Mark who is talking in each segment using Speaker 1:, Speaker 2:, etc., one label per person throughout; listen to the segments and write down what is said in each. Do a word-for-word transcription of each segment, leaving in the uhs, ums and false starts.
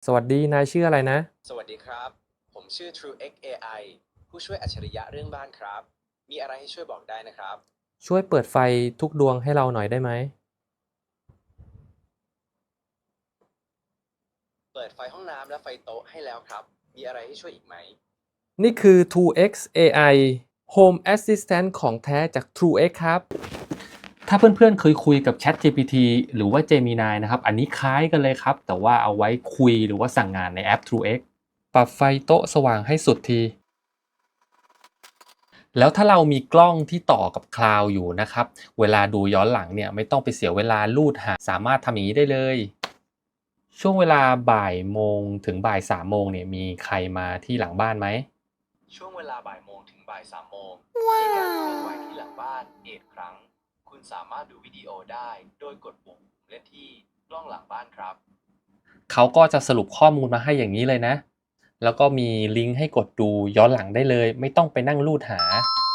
Speaker 1: สวัสดี นายชื่ออะไรนะ
Speaker 2: สวัสดีครับ ผมชื่อ TrueX เอ ไอ ผู้ช่วยอัจฉริยะเรื่องบ้านครับ มีอะไรให้ช่วยบอกได้นะครับ
Speaker 1: ช่วยเปิดไฟทุกดวงให้เราหน่อยได้ไหม
Speaker 2: เปิดไฟห้องน้ำและไฟโต๊ะให้แล้วครับ มีอะไรให้ช่วยอีกไหม
Speaker 1: นี่คือ ทู เอ็กซ์ เอ ไอ Home Assistant ของแท้จาก TrueX ครับ ถ้าเพื่อนๆเคยคุยกับ ChatGPT หรือว่า Gemini นะครับ อันนี้คล้ายกันเลยครับ แต่ว่าเอาไว้คุยหรือว่าสั่งงานในแอป TrueX ปรับไฟโต๊ะสว่างให้สุดที แล้วถ้าเรามีกล้องที่ต่อกับคลาวด์อยู่นะครับ เวลาดูย้อนหลังเนี่ยไม่ต้องไปเสียเวลาลูดหา สามารถทำอย่างนี้ได้เลย ช่วงเวลาบ่ายโมงถึงบ่ายสามโมงเนี่ยมีใครมาที่หลังบ้านไหม
Speaker 2: ช่วงเวลาบ่ายโมงถึงบ่ายสามโมงมีการเคลื่อนไหวที่หลังบ้านเอกครั้ง คุณสามารถดูวิดีโอได้โดยกดปุ่มเล่นที่กล้องหลังบ้านครับ
Speaker 1: เขาก็จะสรุปข้อมูลมาให้อย่างนี้เลยนะ แล้วก็มีลิงก์ให้กดดูย้อนหลังได้เลย ไม่ต้องไปนั่งลูดหา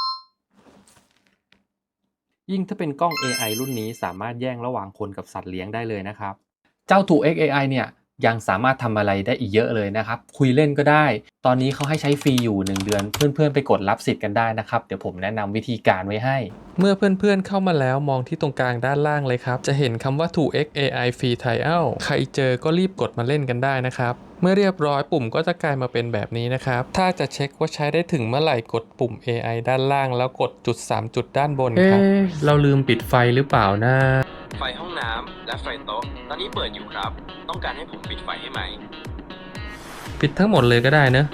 Speaker 1: ยิ่งถ้าเป็นกล้อง เอ ไอ รุ่นนี้สามารถแยกระหว่างคนกับสัตว์เลี้ยงได้เลยนะครับ เจ้า TrueX เอ ไอ เนี่ยยังสามารถทำอะไรได้อีกเยอะเลยนะครับ คุยเล่นก็ได้ ตอนนี้เขาให้ใช้ฟรีอยู่หนึ่งเดือน เพื่อนๆไปกดรับสิทธิ์กันได้นะครับ เดี๋ยวผมแนะนำวิธีการไว้ให้ เมื่อเพื่อนๆเข้ามาแล้วมองที่ตรงกลางด้านล่างเลยครับ จะเห็นคำว่า TrueX เอ ไอ Free Trial ใครเจอก็รีบกดมาเล่นกันได้นะครับ เมื่อเรียบร้อยปุ่มก็จะกลายมาเป็นแบบนี้นะครับ ถ้าจะเช็คว่าใช้ได้ถึงเมื่อไหร่กดปุ่ม เอ ไอ ด้านล่างแล้วกดจุดสามจุดด้านบนครับ เอ๊ะ เราลืมปิดไฟหรือเปล่านะ
Speaker 2: ไฟห้องน้ำและไฟโต๊ะตอนนี้เปิดอยู่ครับ ต้องการให้ผมปิดไฟให้ไหม
Speaker 1: ปิดทั้งหมดเลยก็ได้เนอะ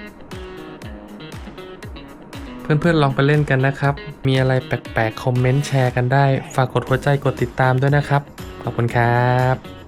Speaker 1: เพื่อนๆลองไปเล่นกันนะครับ มีอะไรแปลกๆคอมเมนต์แชร์กันได้ ฝากกดหัวใจกดติดตามด้วยนะครับ ขอบคุณครับ